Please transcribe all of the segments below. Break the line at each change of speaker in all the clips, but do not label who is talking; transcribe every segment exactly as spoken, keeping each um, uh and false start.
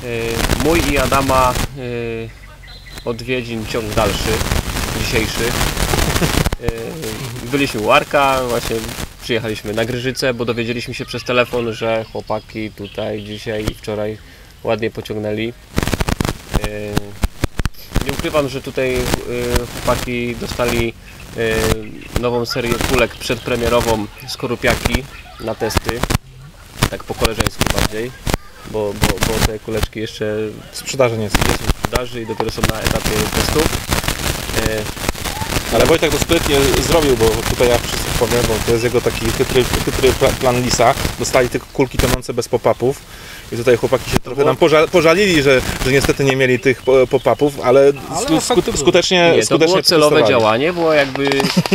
Mój i Adama odwiedzin ciąg dalszy, dzisiejszy. Byliśmy u Arka, właśnie przyjechaliśmy na Gryżycę, bo dowiedzieliśmy się przez telefon, że chłopaki tutaj dzisiaj i wczoraj ładnie pociągnęli. Nie ukrywam, że tutaj chłopaki dostali nową serię kulek przedpremierową Skorupiaki na testy, tak po koleżeńsku bardziej, bo, bo, bo te kuleczki jeszcze
w sprzedaży nie są.
w sprzedaży i dopiero są na etapie testów.
Ale Wojtek to sprytnie zrobił, bo tutaj ja wszystko powiem, bo to jest jego taki chytry, chytry plan lisa. Dostali tylko kulki tonące bez pop-upów i tutaj chłopaki się trochę nam poża pożalili, że, że niestety nie mieli tych pop-upów, ale, ale sku skutecznie
nie, to
skutecznie
było celowe działanie, było jakby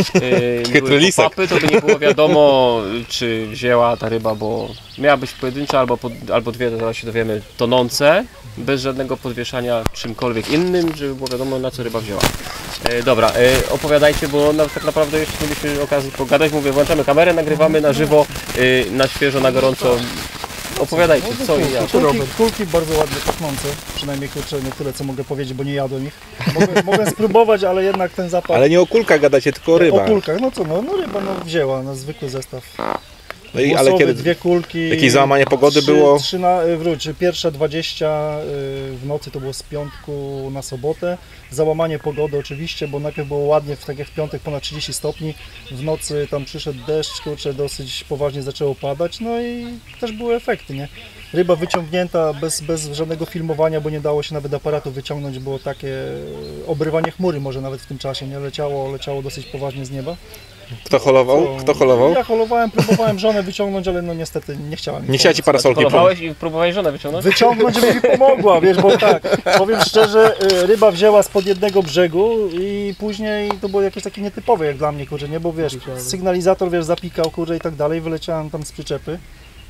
e, pop-upy, to by nie było wiadomo, czy wzięła ta ryba, bo miała być pojedyncza albo, pod, albo dwie, to zaraz się dowiemy, tonące, bez żadnego podwieszania czymkolwiek innym, żeby było wiadomo, na co ryba wzięła. E, dobra, e, opowiadajcie, bo no, tak naprawdę jeszcze mieliśmy okazję pogadać. Mówię, włączamy kamerę, nagrywamy na żywo, e, na świeżo, na gorąco. Opowiadajcie, co i jak.
Kulki, kulki bardzo ładnie pachnące, przynajmniej kurczę, nie tyle co mogę powiedzieć, bo nie jadłem ich. Mogę, mogę spróbować, ale jednak ten zapach...
Ale nie o kulkach gadacie, tylko o rybach.
O kulkach, no co, no, no ryba no, wzięła na zwykły zestaw.
No i, ale kiedy
dwie kulki,
jakieś załamanie pogody
trzy,
było?
Trzy na, wróć, pierwsza dwadzieścia w nocy, to było z piątku na sobotę. Załamanie pogody oczywiście, bo najpierw było ładnie, w, tak jak w piątek ponad trzydzieści stopni. W nocy tam przyszedł deszcz, kurczę, dosyć poważnie zaczęło padać, no i też były efekty, nie? Ryba wyciągnięta bez, bez żadnego filmowania, bo nie dało się nawet aparatu wyciągnąć, było takie obrywanie chmury może nawet w tym czasie, nie? Leciało, leciało dosyć poważnie z nieba.
Kto holował?
Co?
Kto holował?
Ja holowałem, próbowałem żonę wyciągnąć, ale no niestety nie chciała mi.
Nie chciała ci parasolki
holowałeś i próbowałeś żonę wyciągnąć?
Wyciągnąć, żeby mi pomogła, wiesz, bo tak, powiem szczerze, ryba wzięła spod jednego brzegu i później to było jakieś takie nietypowe jak dla mnie, kurczę, nie, bo wiesz, sygnalizator, wiesz, zapikał, kurczę, i tak dalej, wyleciałem tam z przyczepy.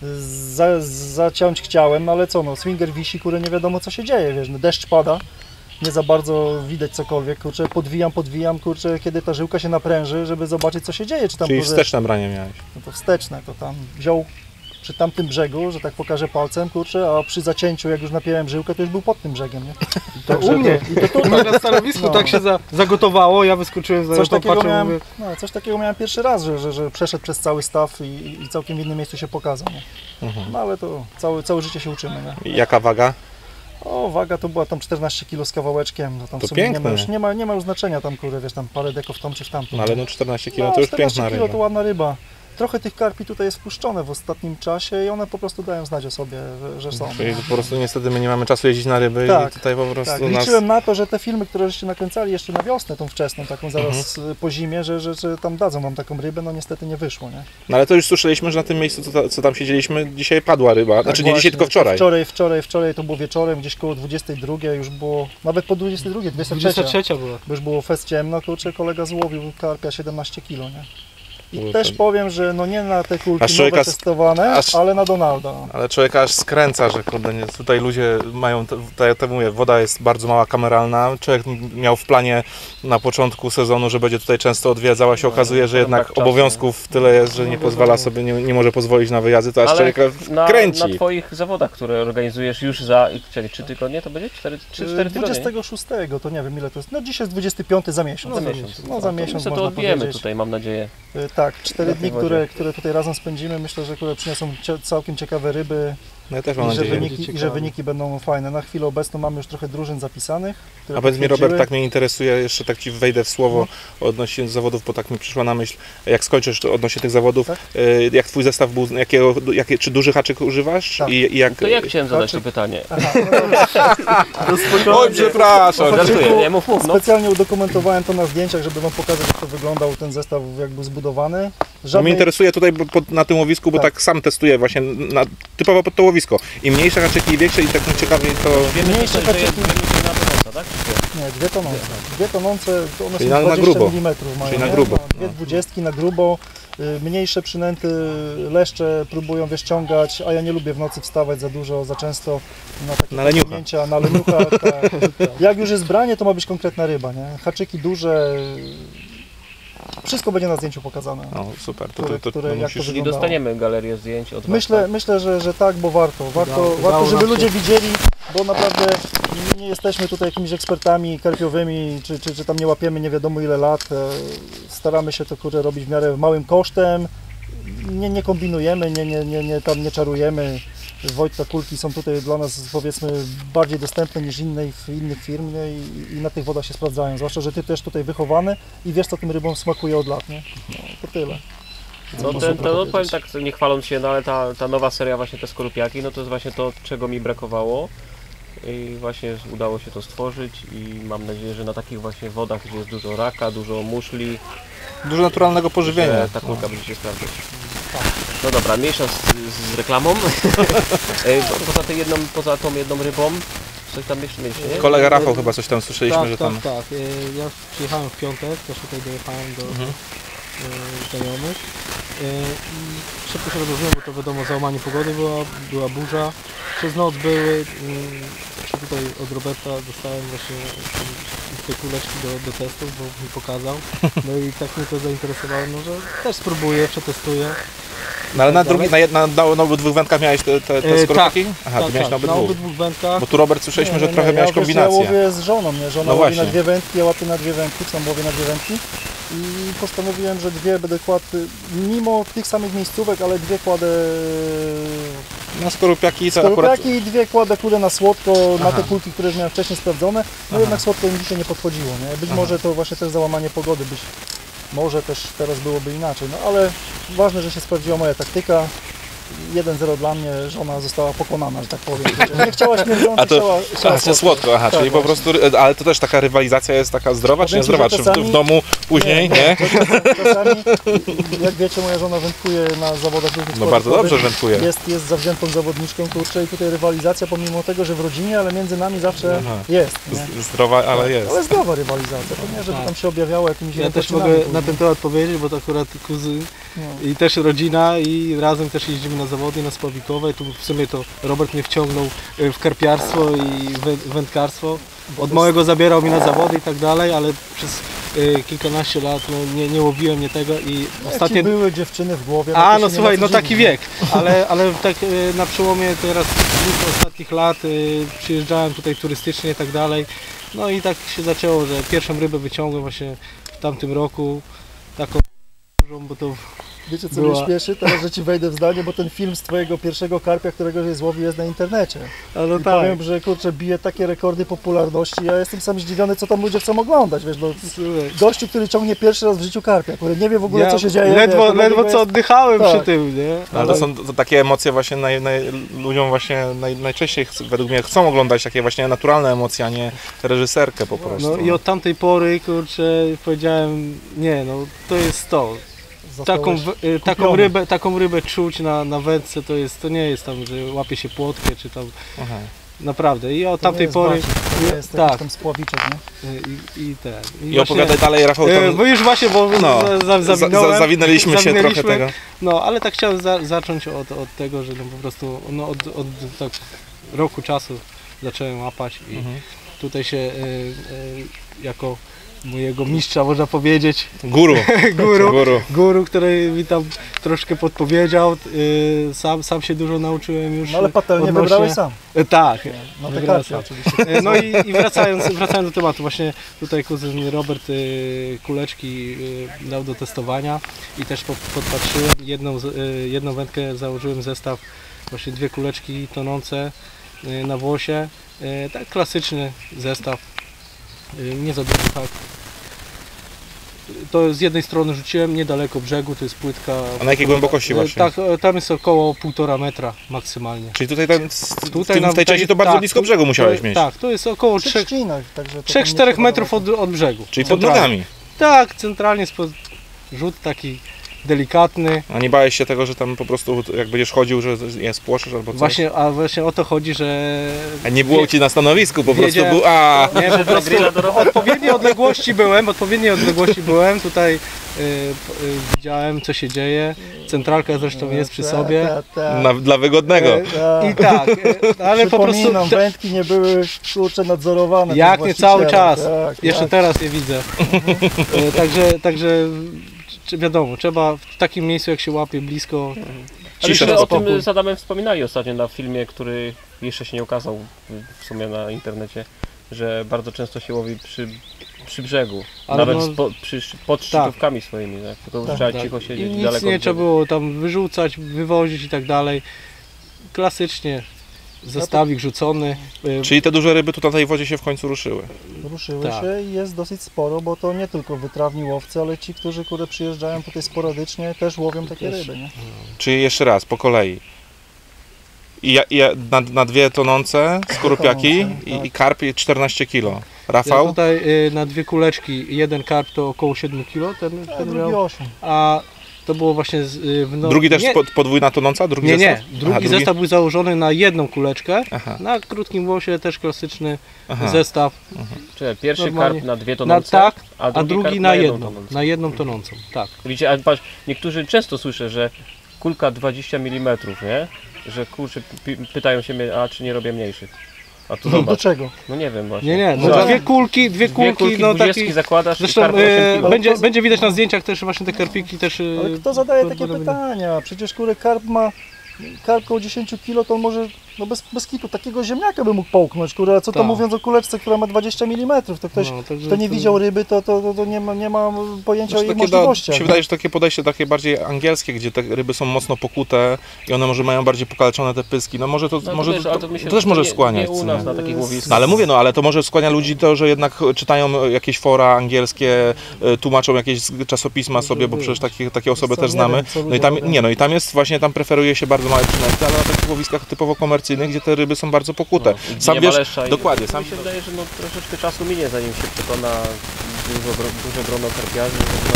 Za, zaciąć chciałem, ale co, no, swinger wisi, kurczę, nie wiadomo co się dzieje, wiesz, no, deszcz pada. Nie za bardzo widać cokolwiek, kurczę, podwijam, podwijam, kurczę, kiedy ta żyłka się napręży, żeby zobaczyć co się dzieje. Czy tam,
Czyli
kurczę,
wsteczne branie miałeś.
No to wsteczne, to tam wziął przy tamtym brzegu, że tak pokażę palcem, kurczę, a przy zacięciu, jak już napiąłem żyłkę, to już był pod tym brzegiem, nie?
To Także u mnie, to, i to, to na stanowisku no. Tak się za, zagotowało, ja wyskoczyłem za
coś takiego
patrzę,
miałem,
mówię...
no, coś takiego miałem pierwszy raz, że, że, że przeszedł przez cały staw i, i całkiem w innym miejscu się pokazał, nie? Mhm. No ale to całe, całe życie się uczymy, nie?
Jaka waga?
O, waga to była tam czternaście kilo z kawałeczkiem, no tam
to
w sumie
piękne.
Nie ma, już, nie, ma, nie ma już znaczenia tam, kurde, wiesz, tam parę deko w tą czy w tamtą.
No ale no czternaście kilo
no,
to już piękna
kilo
ryba.
to ładna ryba. Trochę tych karpi tutaj jest wpuszczone w ostatnim czasie i one po prostu dają znać o sobie, że, że są.
Czyli po prostu niestety my nie mamy czasu jeździć na ryby
tak,
i tutaj po prostu
tak.
nas...
Liczyłem na to, że te filmy, które żeście nakręcali jeszcze na wiosnę, tą wczesną, taką zaraz mhm. po zimie, że, że, że tam dadzą wam taką rybę, no niestety nie wyszło, nie?
No ale to już słyszeliśmy, że na tym miejscu, co, co tam siedzieliśmy, dzisiaj padła ryba, tak, znaczy nie
właśnie,
dzisiaj, tylko wczoraj.
Wczoraj, wczoraj, wczoraj to było wieczorem, gdzieś koło dwudziestej drugiej, już było, nawet po dwudziestej drugiej, dwudziesta trzecia
była.
Bo już było fest ciemno, kurczę, kolega złowił karpia siedemnaście kilo, nie? I Było też ten... powiem, że no nie na te kulki nowe testowane, aż... ale na Donalda.
Ale człowieka aż skręca, że kurde, nie, tutaj ludzie mają, tak jak mówię, woda jest bardzo mała, kameralna. Człowiek miał w planie na początku sezonu, że będzie tutaj często odwiedzał, a się okazuje, że jednak tak obowiązków tyle jest, że nie pozwala sobie, nie, nie może pozwolić na wyjazdy, to aż ale człowieka kręci.
Na, na Twoich zawodach, które organizujesz już za czyli trzy tygodnie, to będzie cztery tygodnie?
dwudziestego szóstego, to nie wiem ile to jest, no dzisiaj jest dwudziesty piąty za miesiąc.
No za miesiąc,
no, za miesiąc
to, to odbijemy tutaj, mam nadzieję.
Tak, cztery dni, które, które tutaj razem spędzimy, myślę, że które przyniosą całkiem ciekawe ryby.
No ja też mam
I,
nadzieję.
Że wyniki, I że wyniki będą fajne. Na chwilę obecną mamy już trochę drużyn zapisanych.
A powiedz mi, Robert, tak mnie interesuje, jeszcze tak Ci wejdę w słowo no. odnośnie zawodów, bo tak mi przyszła na myśl, jak skończysz odnośnie tych zawodów, tak? jak Twój zestaw był, jakiego, jakie, czy duży haczyk używasz?
Tak.
I, i jak...
To ja chciałem zadać to pytanie.
Oj, przepraszam.
Nie, mów, mów, no.
Specjalnie udokumentowałem to na zdjęciach, żeby Wam pokazać, jak to wyglądał ten zestaw, jak był zbudowany.
Żadnej... No mnie interesuje tutaj bo, pod, na tym łowisku, bo tak, tak sam testuję właśnie na, typowo pod to łowisko. Im mniejsze haczyki i większe i tak ciekawiej to...
Mniejsze haczyki...
na tonąca, tak?
Nie, dwie tonące. Dwie tonące, to one
czyli
są
na,
dwadzieścia
na grubo.
milimetrów mają.
Czyli na grubo.
No, dwie dwudziestki na grubo. Mniejsze przynęty, leszcze próbują wyściągać, a ja nie lubię w nocy wstawać za dużo, za często na takie
na leniucha.
Na leniucha tak. Jak już jest branie, to ma być konkretna ryba, nie? Haczyki duże, wszystko będzie na zdjęciu pokazane.
No super, to,
Które-
to, to,
które-
to
jak
musisz...
to
Czyli
wyglądało.
dostaniemy galerię zdjęć od was,
Myślę,
tak?
myślę że, że tak, bo warto. Warto,
Udało-
warto
udało
żeby
nam
ludzie
się.
widzieli, bo naprawdę nie jesteśmy tutaj jakimiś ekspertami karpiowymi, czy, czy, czy tam nie łapiemy nie wiadomo ile lat. E, Staramy się to kurczę robić w miarę małym kosztem. Nie, nie kombinujemy, nie, nie, nie, nie, tam nie czarujemy. Wojtka kulki są tutaj dla nas powiedzmy bardziej dostępne niż innych, innych firm, nie? I, i na tych wodach się sprawdzają. Zwłaszcza, że ty też tutaj wychowany i wiesz co tym rybom smakuje od lat, nie? No, to tyle.
No,
Można
ten,
to
to, no
powiedzieć.
powiem tak, nie chwaląc się, no ale ta, ta nowa seria właśnie te skorupiaki, no to jest właśnie to, czego mi brakowało. I właśnie udało się to stworzyć i mam nadzieję, że na takich właśnie wodach, gdzie jest dużo raka, dużo muszli,
Dużo naturalnego pożywienia.
że ta kulka będzie się sprawdzać. No dobra, mniejsza z, z reklamą. E, po- poza, tej jedną, poza tą jedną rybą, coś tam jeszcze mieliście, nie?
Kolega Rafał chyba coś tam słyszeliśmy,
tak,
że
tak,
tam...
tak. E, Ja przyjechałem w piątek, też tutaj dojechałem do
Mhm.
e, znajomych. E, I szybko się rozłożyłem, bo to wiadomo, załamanie pogody była, była burza. Przez noc były, mm, jeszcze tutaj od Roberta dostałem właśnie mm, te kuleczki do, do testów, bo mi pokazał. No i tak mnie to zainteresowało, no, że też spróbuję, przetestuję.
No ale na,
tak
drugi, na, jed- na, na, na obydwu wędkach miałeś te, te, te
E,
skorupaki? Aha,
tak,
ty miałeś
tak,
na
na
obydwu.
obydwu wędkach.
Bo tu Robert słyszeliśmy,
Nie,
że
nie,
trochę
nie,
miałeś
ja, wiesz, Ja
kombinację.
łowię z żoną, nie? Żona
No
łowi na
właśnie.
dwie wędki, ja łapię na dwie wędki, sam łowię na dwie wędki. I postanowiłem, że dwie będę kładł, mimo tych samych miejscówek, ale dwie kładę
Na skorupiaki to akurat...
skorupiaki i dwie kładę kulę na słodko, na
Aha.
te kulki, które już miałem wcześniej sprawdzone. No
Aha.
jednak słodko im dzisiaj nie podchodziło, nie? Być
Aha.
może to właśnie też załamanie pogody, być może też teraz byłoby inaczej, no ale ważne, że się sprawdziła moja taktyka. jeden zero dla mnie, żona została pokonana, że tak powiem. Nie chciała śmierdzący,
A to-
chciała, chciała
Aha, słodko, aha,
Tak,
czyli po
właśnie.
prostu, ale to też taka rywalizacja jest taka zdrowa, czy
Powiem ci,
niezdrowa?
że
Czy w,
czasami-
w domu później, nie?
Czasami, czasami, jak wiecie, moja żona wędkuje na zawodach różnych
No bardzo
sportowych.
dobrze wędkuje.
Jest, jest zawziętą zawodniczką, kurczę, i tutaj rywalizacja, pomimo tego, że w rodzinie, ale między nami zawsze
Aha.
jest. Nie?
Z- Zdrowa, ale jest.
Ale zdrowa rywalizacja, to nie, żeby
Tak.
tam się objawiało jakimiś
Ja też
jakościnami
mogę
później.
na ten temat powiedzieć, bo to akurat kuzyn
No.
i też rodzina i razem też jeździmy na zawody, na spławikowe. Tu w sumie to Robert mnie wciągnął y, w karpiarstwo i wę- wędkarstwo. Od małego zabierał mnie na zawody i tak dalej, ale przez y, kilkanaście lat no, nie, nie łowiłem mnie tego i
Jak
ostatnie...
ci były dziewczyny w głowie.
A
to
no
się
słuchaj,
nie ma
no
co
taki
dziwić.
wiek, ale, ale tak y, na przełomie teraz dwóch ostatnich lat y, przyjeżdżałem tutaj turystycznie i tak dalej. No i tak się zaczęło, że pierwszą rybę wyciągłem właśnie w tamtym roku, taką dużą, bo to
Wiecie co
była-
mnie śmieszy? Teraz, że ci wejdę w zdanie, bo ten film z twojego pierwszego karpia, którego żeś złowił, jest na internecie.
a no
I
tak.
powiem, że kurczę, bije takie rekordy popularności. Ja jestem sam zdziwiony, co tam ludzie chcą oglądać, wiesz, bo
Słuchaj,
gościu, który ciągnie pierwszy raz w życiu karpia, który nie wie w ogóle,
ja
co się dzieje.
Ledwo,
wiesz, to dla
ledwo
niego
co
jest-
oddychałem
Tak.
przy tym, nie?
No, ale to są to takie emocje właśnie naj, naj, ludziom właśnie naj, najczęściej ch- według mnie chcą oglądać takie właśnie naturalne emocje, a nie reżyserkę po prostu.
No i od tamtej pory, kurczę, powiedziałem, nie no, to jest to. Taką,
Zostałeś
w- y, taką,
kupiony.
rybę, taką rybę czuć na, na wędce, to jest, to nie jest tam, że łapie się płotkę, czy tam,
Aha.
naprawdę. I od
To nie
tamtej
jest
pory,
bacik, to nie jest
tak.
jakiś tam spławiczek, nie?
y, i, i ten.
I
właśnie-
opowiadaj dalej, Rafał,
E,
tam,
Bo już właśnie, bo
no,
za, za,
za,
zawinąłem,
za, zawinęliśmy się trochę
zawinęliśmy.
tego.
No, ale tak chciałem za, zacząć od, od tego, że no po prostu no, od, od tak roku czasu zacząłem łapać i
Mhm.
tutaj się y, y, jako mojego mistrza, można powiedzieć,
Guru.
guru,
Guru.
guru, który mi tam troszkę podpowiedział, y, sam, sam się dużo nauczyłem już.
No ale patelnię
odnośnie-
wybrałeś sam.
E, Tak.
No te
Wybrałem
karpie
sam.
oczywiście.
E, No i, i wracając, wracając do tematu, właśnie tutaj kuzyn Robert y, kuleczki y, dał do testowania i też po, podpatrzyłem, jedną, z- y, jedną wędkę założyłem zestaw, właśnie dwie kuleczki tonące y, na włosie, y, tak klasyczny zestaw, y, nie za duży hak. To z jednej strony rzuciłem niedaleko brzegu, to jest płytka.
A na jakiej głębokości
Y,
właśnie?
Tak, y, tam jest około półtora metra maksymalnie.
Czyli tutaj, ten, w,
Tutaj
tym,
nam
w tej części to bardzo
tak,
blisko
tu-
brzegu musiałeś
to-
mieć.
Tak, to jest około
Przy
trzech
trzcinach, także to tam
trzech
nie
czterech
trzeba
metrów
nawet-
od, od brzegu.
Czyli pod
Centralnie.
nogami.
Tak, centralnie spod, rzut taki delikatny.
A nie bałeś się tego, że tam po prostu jak będziesz chodził, że je spłoszysz albo coś?
Właśnie, a właśnie o to chodzi, że
A nie było ci na stanowisku, po prostu
Wiedziałem.
był... A,
nie, po prostu odpowiedniej odległości byłem, odpowiedniej odległości byłem, tutaj y, p- y, widziałem co się dzieje, centralka zresztą jest przy
Ta,
sobie.
ta, ta.
na, dla wygodnego.
E, I tak, e, ale po prostu
Przypominam,
te,
wędki nie były kurczę nadzorowane.
jak
przez
nie cały
właściciela.
czas,
Tak,
jeszcze
tak.
teraz je widzę. E, Także, także czy wiadomo, trzeba w takim miejscu, jak się łapie blisko.
Ale
Cisza,
myśmy o
spokój.
tym z Adamem wspominali ostatnio na filmie, który jeszcze się nie ukazał w sumie na internecie, że bardzo często się łowi przy, przy brzegu,
Ale
nawet
no-
spo, przy, pod szczytówkami swoimi, tak? Tylko
Tak,
trzeba
Tak.
cicho
I
siedzieć
nic
daleko
nie
od
trzeba
brzegu.
było tam wyrzucać, wywozić i tak dalej. Klasycznie zestawik rzucony. y,
Czyli te duże ryby tu na tej wodzie się w końcu ruszyły.
Ruszyły
Tak.
się i jest dosyć sporo, bo to nie tylko wytrawni łowcy, ale ci, którzy kurde przyjeżdżają tutaj sporadycznie, też łowią takie
Też.
ryby, nie?
Czyli jeszcze raz, po kolei. I ja, ja, na, na dwie tonące skorupiaki
Tonące,
i,
tak.
i karp czternaście kilo.
Ja
Rafał?
tutaj y, na dwie kuleczki, jeden karp to około siedem kilo, ten,
A
ten
drugi
miał,
osiem.
a to było właśnie z, y, w no,
Drugi też
nie,
pod, podwójna tonąca? Drugi
nie, nie,
zestaw?
drugi
Aha,
zestaw był założony na jedną kuleczkę,
Aha,
na krótkim łosie też klasyczny
aha.
zestaw,
Czyli pierwszy
Normalnie.
karp na dwie
na,
tonące,
tak,
a
a
drugi,
drugi
karp
na
jedną
jedną,
tonącą.
na jedną tonącą, tak.
Widzicie, a patrz, niektórzy często słyszę, że kulka dwadzieścia milimetrów, nie? Że kurczę, pi- pytają się mnie, a czy nie robię mniejszych? A tu
Do
zobacz,
czego?
no nie wiem właśnie.
Nie, nie, no
Zobacz,
dwie kulki, dwie
dwie
kulki,
kulki
no
dwudziestki
taki,
zakładasz i
zresztą
karp osiem
y,
kilo.
będzie,
to-
będzie widać na zdjęciach też właśnie te karpiki też. y,
Ale kto zadaje
pod-
takie
pod-
pytania? Przecież kurde karp ma, karp koło dziesięć kilo, to on może, no bez, bez kitu, takiego ziemniaka by mógł połknąć, kurde, a co to
Tak.
mówiąc o kuleczce, która ma dwadzieścia milimetrów, to ktoś,
No, także
kto nie
to-
widział ryby, to, to, to, to nie, ma, nie ma pojęcia o
Znaczy,
jej
takie da,
możliwościach.
mi się wydaje, że takie podejście takie bardziej angielskie, gdzie te ryby są mocno pokute i one może mają bardziej pokaleczone te pyski. No może to,
No,
może
wiesz,
to,
ale
to,
myślę,
to też
że
może
nie,
skłaniać.
Nie u
co
nas
nie?
na takich łowiskach.
No ale mówię, no ale to może skłania ludzi to, że jednak czytają jakieś fora angielskie, y, tłumaczą jakieś czasopisma sobie, bo przecież takie, takie osoby
Co,
też
nie
znamy.
wiem, co
No i
ludzie
tam,
robią.
nie, no i tam jest właśnie, tam preferuje się bardzo małe przynęty, ale na takich łowiskach typowo komercyjnych, gdzie te ryby są bardzo pokute.
No,
Sam
nie
wiesz,
malesza i-
dokładnie, sam
Mi się wydaje, że no, troszeczkę czasu minie, zanim się przekona dużo, gro- duże grono karpiarzy,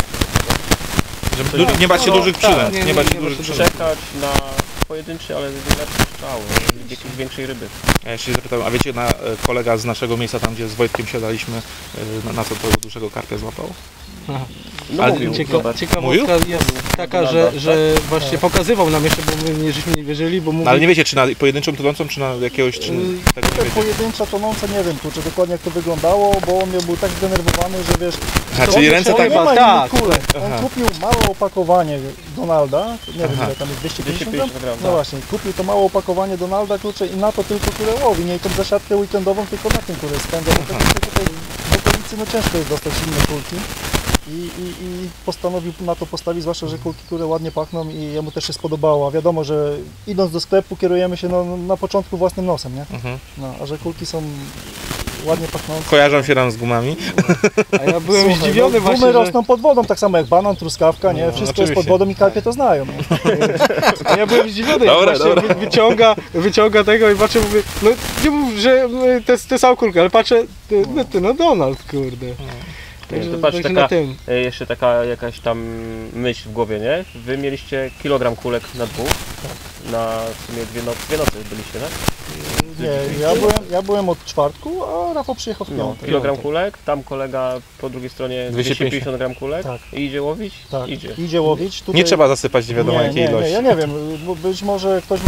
że du- nie bać się
No,
dużych
tak,
przynęt,
nie,
nie
nie,
bać się
nie
dużych
bać się
przynęt.
czekać na pojedynczy, ale lepszy strzał, jakiejś większej ryby.
Ja się zapytałem, a wiecie, na, e, kolega z naszego miejsca, tam gdzie z Wojtkiem siadaliśmy, e, na, na co tego dużego karpia złapał?
No
Ale
mówił,
Cieka
zobacz.
ciekawostka jest taka, że, że właśnie pokazywał nam jeszcze, bo my nie, żeśmy nie wierzyli, bo mówił,
No ale nie wiecie, czy na pojedynczą tonącą, czy na jakiegoś, czy
Yy,
tego nie
Te
wiecie.
pojedyncza tonąca, nie wiem kurczę dokładnie jak to wyglądało, bo on był tak zdenerwowany, że wiesz,
A,
to
czyli
on
ręce
nie
tak...
ma innych
tak.
kulek. On
Aha.
kupił małe opakowanie Donalda, nie wiem
Aha.
ile tam jest, dwieście
dwieście
pięćdziesiąt gram?
pięćdziesiąt gram,
No
tak.
właśnie, kupił to małe opakowanie Donalda, kurczę, i na to tylko kurę łowi, nie i tą zasiadkę weekendową tylko na tym kurę spędza, bo tak tutaj w okolicy no ciężko jest dostać inne kulki. I, i, I postanowił na to postawić, zwłaszcza, że kulki, które ładnie pachną i jemu też się spodobało. A wiadomo, że idąc do sklepu kierujemy się no, na początku własnym nosem, nie?
Mhm.
No, a że kulki są ładnie pachnące.
Kojarzą się nam z gumami.
a ja byłem
Słuchaj,
zdziwiony
no,
właśnie,
gumy
że...
rosną pod wodą, tak samo jak banan, truskawka, nie? Wszystko jest pod
oczywiście.
wodą i karpie to znają. Nie?
A ja byłem zdziwiony,
Dobra,
jak właśnie
dobra.
wy- wyciąga, wyciąga tego i patrzę, mówię, no nie mów, że y, to jest, to jest kulka, ale patrzę, ty, no, ty, no Donald, kurde. Także,
To patrz,
także
taka-
na tym.
E, Jeszcze taka jakaś tam myśl w głowie, nie? Wy mieliście kilogram kulek na dwóch, na w sumie dwie, noc, dwie nocy byliście, tak?
Nie, ja byłem, ja byłem od czwartku, a Rafał przyjechał w
No,
piątek.
kilogram kulek, tam kolega po drugiej stronie
dwieście
dwieście pięćdziesiąt gram kulek
Tak.
i idzie łowić?
Tak,
Idzie.
idzie łowić. Tutaj...
Nie trzeba zasypać nie wiadomo
nie,
jakiej
nie,
ilości.
Nie, ja nie wiem, bo być może ktoś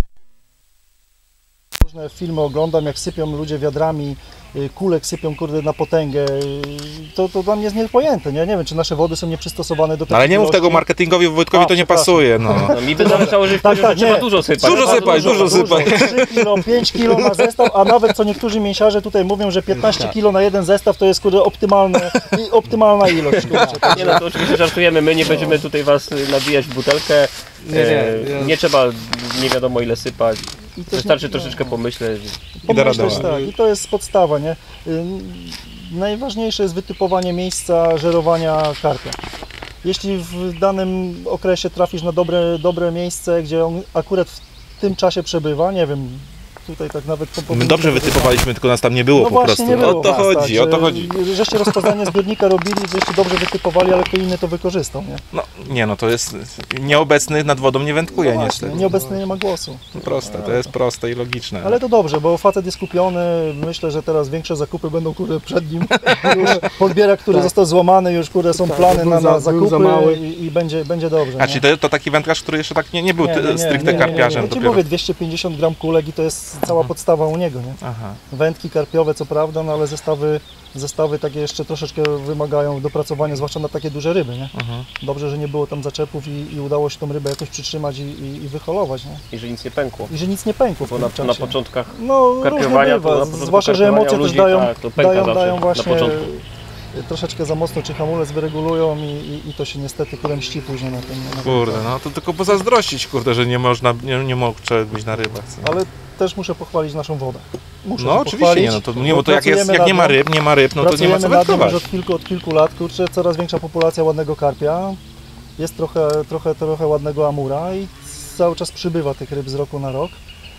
różne filmy oglądam, jak sypią ludzie wiadrami, y, kulek sypią kurde na potęgę, y, to, to dla mnie jest niepojęte, nie? Nie wiem, czy nasze wody są nieprzystosowane do
No,
tego.
ale nie mów tego marketingowi, Wojtkowi
A,
to nie
przepraszam.
pasuje, no.
No, mi by zależało, że,
Tak,
że
tak,
trzeba
nie.
dużo sypać.
Dużo
Bardzo
sypać, dużo sypać.
trzy kilo, pięć kilo na zestaw, a nawet co niektórzy mięsiarze tutaj mówią, że piętnaście kilo na jeden zestaw to jest kurde optymalne, i optymalna ilość. Kurczę.
Nie no, to oczywiście żartujemy, my nie będziemy tutaj was y, nabijać w butelkę.
Nie, nie,
E,
ja-
nie trzeba nie wiadomo ile sypać.
I też
Wystarczy
nie-
troszeczkę pomyśleć.
Pomyśleć,
radować.
tak, i to jest podstawa, nie? Ym, Najważniejsze jest wytypowanie miejsca żerowania karpia. Jeśli w danym okresie trafisz na dobre, dobre miejsce, gdzie on akurat w tym czasie przebywa, nie wiem, tutaj tak nawet... po-
My dobrze wytypowaliśmy, tylko nas tam nie było
No
po
właśnie,
prostu.
nie było
O to
was,
chodzi,
tak,
o to
że-
chodzi.
Żeście rozpoznanie zbiornika robili, żeście dobrze wytypowali, ale kto inny to wykorzystał, nie?
No, nie no, to jest nieobecny nad wodą nie wędkuje
No właśnie,
niestety.
nieobecny nie ma głosu.
Proste, to jest proste i logiczne.
Ale to dobrze, bo facet jest kupiony, myślę, że teraz większe zakupy będą kurde przed nim. Już podbierak, który
Tak.
został złamany, już kurde są
Tak,
plany
był
na,
za-
na
był
zakupy
za mały.
i, i będzie, będzie dobrze.
A
nie?
czyli to, to taki wędkarz, który jeszcze tak nie, nie był
Nie,
ty,
nie, nie,
stricte
nie, nie, nie,
karpiarzem
nie. Ja ci
dopiero.
mówię dwieście pięćdziesiąt gram kulek i to jest jest cała podstawa u niego, nie?
Aha.
Wędki karpiowe co prawda, no ale zestawy, zestawy takie jeszcze troszeczkę wymagają dopracowania, zwłaszcza na takie duże ryby, nie?
Mhm.
Dobrze, że nie było tam zaczepów i, i udało się tą rybę jakoś przytrzymać i, i, i wyholować, nie?
I że nic nie pękło.
I że nic nie pękło w
Bo
tym
na,
czasie.
na początkach
No różnie
karpiowania,
bywa,
to na początku
zwłaszcza, że
karpiowania
emocje
u
też
ludzi,
dają,
tak, to pęka
dają,
zawsze
dają
na
właśnie
początku.
troszeczkę za mocno, czy hamulec wyregulują i, i, i to się niestety kurę mści później na tym. Na tym
Kurde, no to tylko pozazdrościć, kurde, że nie można, nie, nie mógł być na rybach. Co?
Ale też muszę pochwalić naszą wodę. Muszę
No
się
oczywiście,
pochwalić,
nie, no to, nie, bo to jak, jest,
pracujemy
jak nie
nad
ma
nią.
ryb, nie ma ryb, no to nie ma
Pracujemy
co
nad tym już
wędkować.
od kilku, od kilku lat, kurczę, coraz większa populacja ładnego karpia, jest trochę, trochę, trochę ładnego amura i cały czas przybywa tych ryb z roku na rok.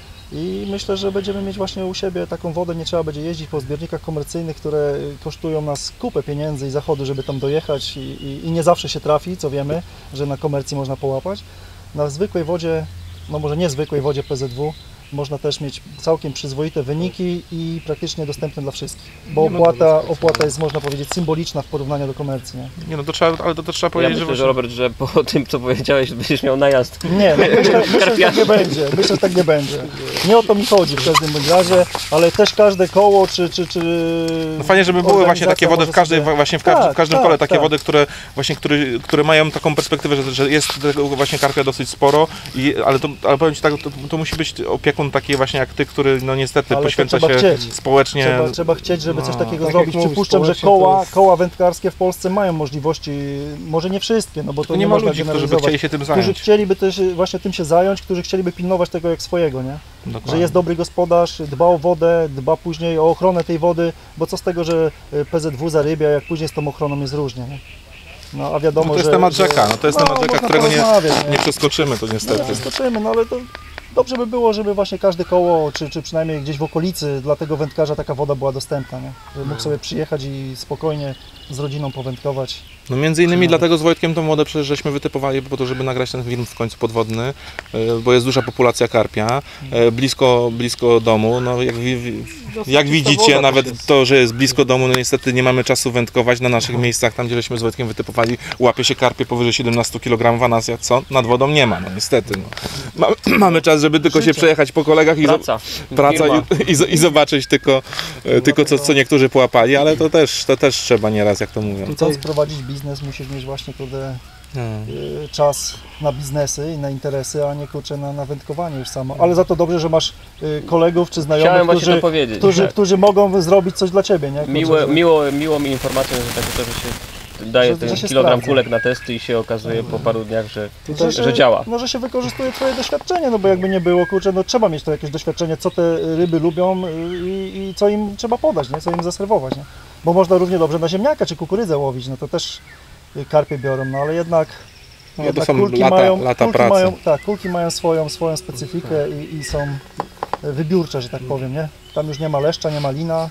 I myślę, że będziemy mieć właśnie u siebie taką wodę, nie trzeba będzie jeździć po zbiornikach komercyjnych, które kosztują nas kupę pieniędzy i zachodu, żeby tam dojechać i, i, i nie zawsze się trafi, co wiemy, że na komercji można połapać. Na zwykłej wodzie, no może nie zwykłej wodzie P Z W, można też mieć całkiem przyzwoite wyniki i praktycznie dostępne dla wszystkich, bo
Nie, no
opłata, opłata jest, można powiedzieć, symboliczna w porównaniu do komercji. Nie,
Nie no to trzeba, ale to, to trzeba
Ja
powiedzieć,
myślę,
że,
że Robert, że po tym co powiedziałeś, będziesz miał najazd.
nie no, myślę, myślę, że tak nie będzie, myślę, że tak nie będzie. Nie o to mi chodzi w każdym bądź razie, ale też każde koło czy... czy, czy
No fajnie, żeby były właśnie takie wody w każdej,
sobie...
właśnie w każdym,
Tak,
w każdym
tak,
kole, takie
tak.
wody, które właśnie, które, które mają taką perspektywę, że, że jest tego właśnie karpia dosyć sporo, i, ale, to, ale powiem Ci tak, to, to musi być opiekun taki właśnie jak Ty, który no niestety
Ale to
poświęca
trzeba
się
chcieć.
społecznie.
Trzeba, trzeba chcieć, żeby coś
No,
takiego
tak
zrobić.
jak mówisz,
Przypuszczam, że
społecznie to
koła,
jest-
koła wędkarskie w Polsce mają możliwości, może nie wszystkie, no bo to
To
nie,
nie ma
można
ludzi, którzy by
generalizować.
chcieli się tym
Którzy
zająć.
chcieliby też właśnie tym się zająć, którzy chcieliby pilnować tego jak swojego, nie?
Dokładnie.
Że jest dobry gospodarz, dba o wodę, dba później o ochronę tej wody, bo co z tego, że P Z W zarybia, jak później z tą ochroną jest różnie, nie? No a wiadomo,
No to jest
że...
temat
że-
rzeka, no to jest
no,
temat rzeka,
można
którego nie,
porozmawiać,
nie przeskoczymy, to
Nie
niestety.
przeskoczymy, no ale to dobrze by było, żeby właśnie każde koło, czy, czy przynajmniej gdzieś w okolicy dla tego wędkarza taka woda była dostępna, nie? Żeby mógł sobie przyjechać i spokojnie z rodziną powędkować.
No między innymi
Czy-
dlatego z Wojtkiem tą wodę przecież żeśmy wytypowali po to, żeby nagrać ten film w końcu podwodny, e, bo jest duża populacja karpia, e, blisko, blisko domu, no jak, wi- wi- jak widzicie, nawet to, że jest blisko domu, no niestety nie mamy czasu wędkować na naszych miejscach, tam gdzie żeśmy z Wojtkiem wytypowali, łapie się karpie powyżej siedemnaście kilogramów, a nas jak co? Nad wodą nie ma, no niestety. No. Ma, mamy czas, żeby tylko się
Życie.
przejechać po kolegach i, zo-
Praca.
praca
Firma.
i, i, zo- i zobaczyć tylko, e, tylko co, co niektórzy połapali, ale to też, to też trzeba nieraz, jak to mówią.
Chcąc prowadzić biznes, musisz mieć właśnie kurde,
Hmm.
y, czas na biznesy i na interesy, a nie kurczę na, na wędkowanie już samo. Ale za to dobrze, że masz y, kolegów czy
Chciałem
znajomych,
właśnie to
którzy,
powiedzieć.
którzy,
tak.
którzy mogą zrobić coś dla Ciebie, nie? Kurczę,
Miło,
że-
miło, miło mi informacją, że tak to, że się daje
Że-
ten
że się
kilogram
sprawdza.
kulek na testy i się okazuje po paru dniach, że,
Że,
że działa.
No, że się wykorzystuje Twoje doświadczenie, no bo jakby nie było, kurczę, no trzeba mieć to jakieś doświadczenie, co te ryby lubią y, i, i co im trzeba podać, nie? Co im zaserwować, nie? Bo można równie dobrze na ziemniaka czy kukurydzę łowić, no to też y, karpie biorą, no ale jednak,
No, to
jednak
są
kulki,
lata,
mają,
lata
kulki,
pracy.
mają, tak, kulki mają swoją, swoją specyfikę i, i są wybiórcze, że tak powiem, nie? Tam już nie ma leszcza, nie ma lina,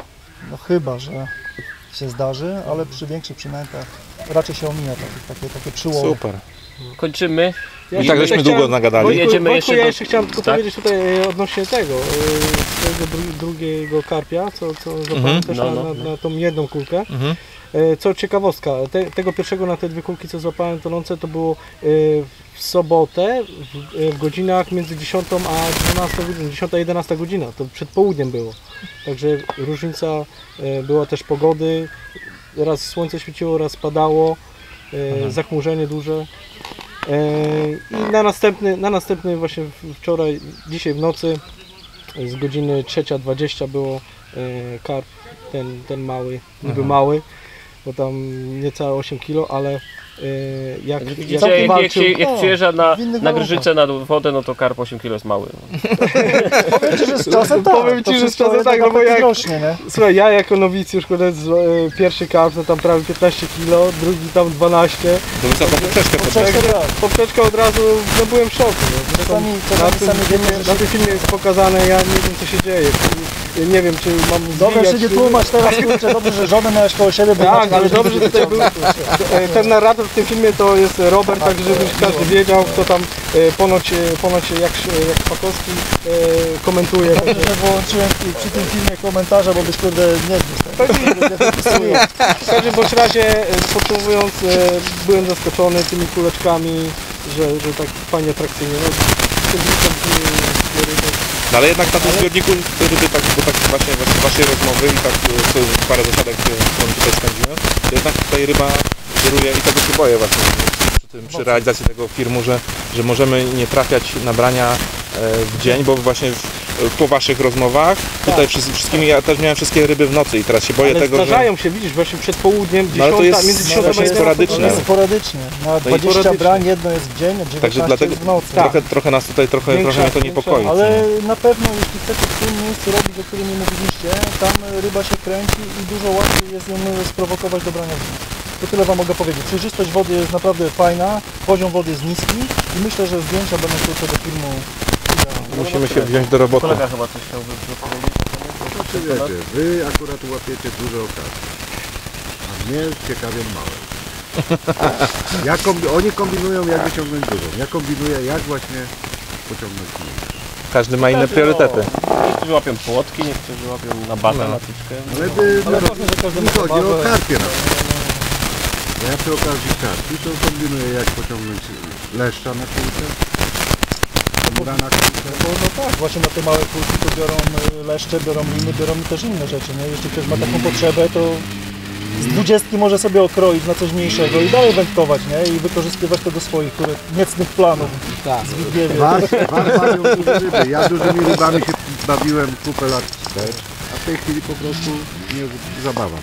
no chyba, że się zdarzy, ale przy większych przynętach raczej się omija takie, takie, takie przyłomy.
Super.
Kończymy.
I tak żeśmy długo nagadali.
Wojtku, Jedziemy
Wojtku,
jeszcze
ja
do-
jeszcze chciałem tylko
tak?
powiedzieć tutaj e, odnośnie tego, e, swojego dru- drugiego karpia, co, co złapałem
Mhm.
też
No,
na,
no.
na, na tą jedną kulkę.
Mhm.
E, Co ciekawostka, te, tego pierwszego na te dwie kulki, co złapałem tonące, to było e, w sobotę w, e, w godzinach między dziesiątą a dwunastą, dziesiąta jedenasta godzina, to przed południem było. Także różnica e, była też pogody, raz słońce świeciło, raz padało, e, zachmurzenie duże. E, I na następny, na następny właśnie w- wczoraj, dzisiaj w nocy z godziny trzecia dwadzieścia było e, karp, ten, ten mały, niby mały, bo tam niecałe osiem kilo, ale e, jak, jak,
Widzicie, jak, jak,
walczył,
się, jak
o,
przyjeżdża na,
w innych
na
warunkach.
Grzyce na wodę, no to karp osiem kilo jest mały.
Powiem Ci, że z czasem tak,
Powiem
to
ci, że z
wszystko
czasem
jednak
tak, no bo
apetyn
jak-
rośnie, nie?
Słuchaj, ja jako nowicjusz, kurde, z- e, pierwszy karp to tam prawie piętnaście kilo, drugi tam dwanaście,
To wysoką poprzeczkę
Poprzeczkę
podczas.
tak.
poprzeczka od razu, no byłem w szoku. No. Zresztą
Czasami,
na,
czasami
tym
sami wiemy,
filmie,
że
na tym filmie jest pokazane, ja nie wiem co się dzieje. Ja nie wiem, czy mam
Dobrze
zwijać,
się nie
czy-
tłumacz teraz, kurczę, dobrze, że żonę miałeś koło siebie, bo
Tak,
inaczej
ale
byś
dobrze, że tutaj był e, ten narrator w tym filmie to jest Robert, tak żeby każdy wiedział, kto tam e, ponoć, e, ponoć jak, jak Szpakowski e, komentuje.
Dobrze, że wyłączyłem przy tym filmie komentarza, bo byś kurde nie wpisał.
W każdym bądź razie, e, podsumowując, e, byłem zaskoczony tymi kuleczkami, że, że tak fajnie atrakcyjnie. No, z tym bliskiem, e, ryby
No ale jednak na tym zbiorniku ryby, tak, bo tak właśnie z waszej rozmowy i tak co, parę zasiadek, które tutaj spędziłem, to jednak tutaj ryba wiruje i tego się boję właśnie przy, tym, przy realizacji tego filmu, że, że możemy nie trafiać na brania w dzień, bo właśnie po waszych rozmowach tutaj tak. wszystkimi, ja też miałem wszystkie ryby w nocy i teraz się boję
ale
tego,
zdarzają
że...
się, widzisz, właśnie przed południem,
no, ale to jest
między dziesiątą
właśnie sporadycznie.
Jest sporadycznie. Na dwadzieścia brań, jedno jest w dzień, a dziewiętnaście
Także dlatego
w nocy.
trochę, trochę nas tutaj, trochę,
Większa,
trochę mnie to niepokoi.
Ale na pewno, jeśli chcecie w tym miejscu robić, o którym nie mówiliście, tam ryba się kręci i dużo łatwiej jest ją sprowokować do brania w dzień. To tyle wam mogę powiedzieć. Przejrzystość wody jest naprawdę fajna, poziom wody jest niski i myślę, że zdjęcia będą tylko do filmu.
Musimy się wziąć do roboty.
Kolega chyba coś chciał powiedzieć.
Znaczy wiecie, wy akurat łapiecie duże okazje, a mnie ciekawią małe. Ja kombi oni kombinują jak wyciągnąć dużą, ja kombinuję jak właśnie pociągnąć mniejszą.
Każdy ma inne priorytety.
Niektórzy łapią płotki, niektórzy łapią na batę, na tyczkę.
Ale by, ale ważne, że każdy mi chodzi o karpie na przykład. Ja przy okazji karpi to kombinuję jak pociągnąć leszcza na kulkę. Na
no, no tak, właśnie na te małe kulki to biorą leszcze, biorą liny, biorą też inne rzeczy, nie? Jeśli ktoś ma taką potrzebę, to z dwudziestki może sobie okroić na coś mniejszego i dalej wędkować, nie? I wykorzystywać to do swoich które, niecnych planów.
Tak.
Z Widniewie.
Was, was bawią duże ryby. Ja dużymi rybami się bawiłem kupę lat wstecz, a w tej chwili po prostu nie zabawa.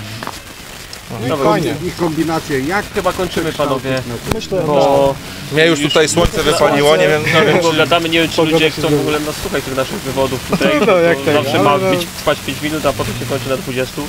No,
I fajnie. Ich kombinacje jak
chyba kończymy, panowie.
Myślę,
bo
mnie już tutaj słońce wypaliło, nie wiem,
no, wiem, bo gadamy, nie wiem czy ludzie chcą w ogóle nas słuchać tych naszych wywodów tutaj,
no, jak
bo
tak,
zawsze
ale
ma
no.
być, trwać pięć minut, a potem się kończy na dwudziestu.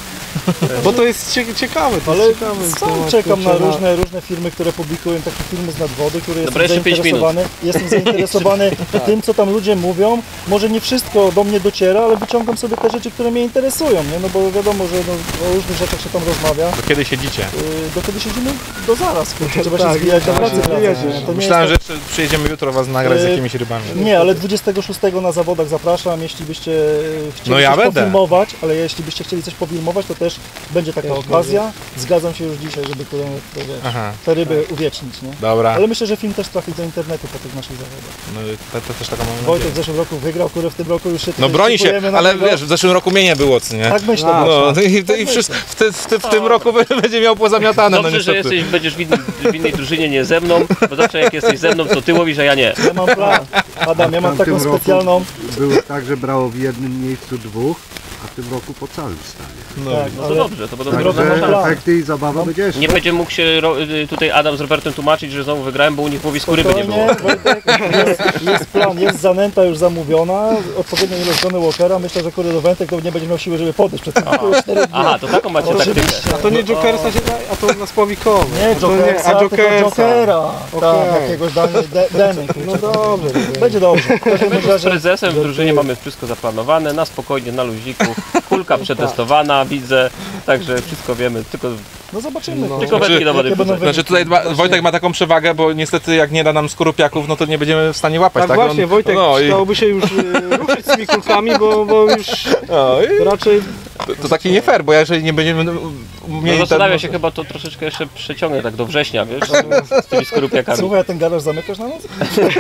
Bo to jest cie ciekawe, to
ale
jest ciekawe.
sam czekam na różne, różne firmy, które publikują takie filmy z nadwody, które
Dobra,
jestem
jeszcze pięć minut.
zainteresowany, jestem zainteresowany tym, co tam ludzie mówią. Może nie wszystko do mnie dociera, ale wyciągam sobie te rzeczy, które mnie interesują, nie? No bo wiadomo, że no, o różnych rzeczach się tam rozmawia.
Do kiedy siedzicie?
Yy, do kiedy siedzimy? Do zaraz, kurczę, trzeba się
Tak,
zbijać do
tak,
pracy.
tak,
wracać,
tak.
nie? To nie
Myślałem,
jest
że jeszcze przyjedziemy jutro was nagrać z
Yy,
jakimiś rybami.
tak... Nie, ale dwudziestego szóstego na zawodach zapraszam, jeśli byście yy, chcieli
No ja
coś
będę.
pofilmować, ale jeśli byście chcieli coś pofilmować, to też będzie taka
Też
okazja. Zgadzam się już dzisiaj, żeby te, te, wiesz,
Aha,
te ryby uwiecznić, nie?
dobra.
Ale myślę, że film też trafi do internetu po tych naszych zawodach.
No, to, to też taką mam
Wojtek
nadzieję.
w zeszłym roku wygrał, który w tym roku już się
No
tutaj
broni się,
szykujemy na
ale
niego.
wiesz, w zeszłym roku mnie nie było, co nie?
Tak myślę,
A,
właśnie.
No i, i, i wszystko, w, te, w, te, w tym roku będzie miał pozamiatane, no
Dobrze, że
niestety.
jesteś, będziesz w, innym, w innej drużynie, nie ze mną, bo zawsze jak jesteś ze mną, to ty łowisz, a ja nie.
Ja mam plan. Adam, ja mam
W tamtym
taką
roku
specjalną...
było tak, że brało w jednym miejscu dwóch, a w tym roku po całym stanie.
No.
Tak,
No to
ale
dobrze, to będą
Także-
drobne
Także
plan.
efekty i zabawa będzie jeszcze.
Nie będzie mógł się ro, tutaj Adam z Robertem tłumaczyć, że znowu wygrałem, bo u nich łowisko ryby nie było.
spokojnie, Wojtek, jest, jest plan, jest zanęta już zamówiona, odpowiednia ilość Johnny Walkera. Myślę, że kurde do wędek to nie będzie miał siły, żeby podejść przed tym.
Aha, to taką macie taktykę.
Oczywiście.
A to nie Jokersa się daje, a to na spławikowe.
Nie,
A to
Jokersa,
a
tylko
Jokersa.
Jokera.
Okej.
Tak, jakiegoś Dany, de, Deny.
No dobrze.
Będzie dobrze. W każdym
My z
razie
prezesem w drużynie mamy wszystko zaplanowane, na spokojnie, na luziku. Kulka przetestowana, widzę, także wszystko wiemy, tylko,
no zobaczymy.
No.
tylko
Znaczy-
wędki do wody
jakie będą
wrzucać.
Znaczy tutaj dba, Wojtek ma taką przewagę, bo niestety jak nie da nam skorupiaków, no to nie będziemy w stanie łapać,
Tak,
tak?
właśnie,
On-
Wojtek,
no, i,
chciałoby się już y, ruszyć z tymi kulkami, bo, bo już
no, i
raczej...
to, to taki nie fair, bo jeżeli nie będziemy
No
mieli...
zastanawia
ten-
się chyba to troszeczkę jeszcze przeciągnę tak do września, wiesz, z tymi skorupiakami.
Słuchaj, a ten garaż zamykasz na noc?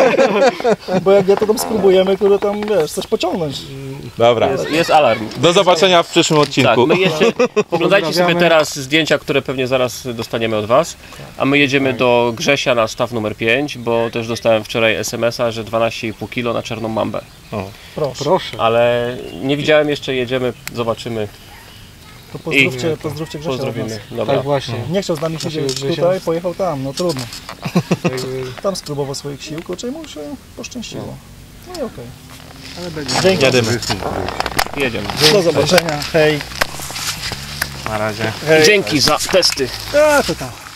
Bo jak ja to tam spróbujemy, które tam, wiesz, coś pociągnąć.
Dobra,
Jest, jest alarm.
do zobaczenia w przyszłym
Tak,
odcinku.
my jeszcze oglądajcie sobie
Pozdrawiamy.
teraz zdjęcia, które pewnie zaraz dostaniemy od Was, a my jedziemy do Grzesia na staw numer pięć, bo też dostałem wczoraj es em es a, że dwanaście i pół kilo na czarną mambę.
Proszę.
Proszę.
Ale nie widziałem jeszcze, jedziemy, zobaczymy,
To pozdrówcie, pozdrówcie Grzesia od nas.
pozdrowimy. Dobra.
Tak właśnie.
Nie chciał z nami siedzieć
Grzesia.
tutaj, pojechał tam, no trudno.
Jakby-
Tam spróbował swoich sił, kurczę, mu się poszczęściło. No i okej.
Ale będzie
Dzięki.
Jadymy.
Jedziemy.
Do zobaczenia. Hej.
Na razie.
Hej.
Dzięki za testy.
A, to tam.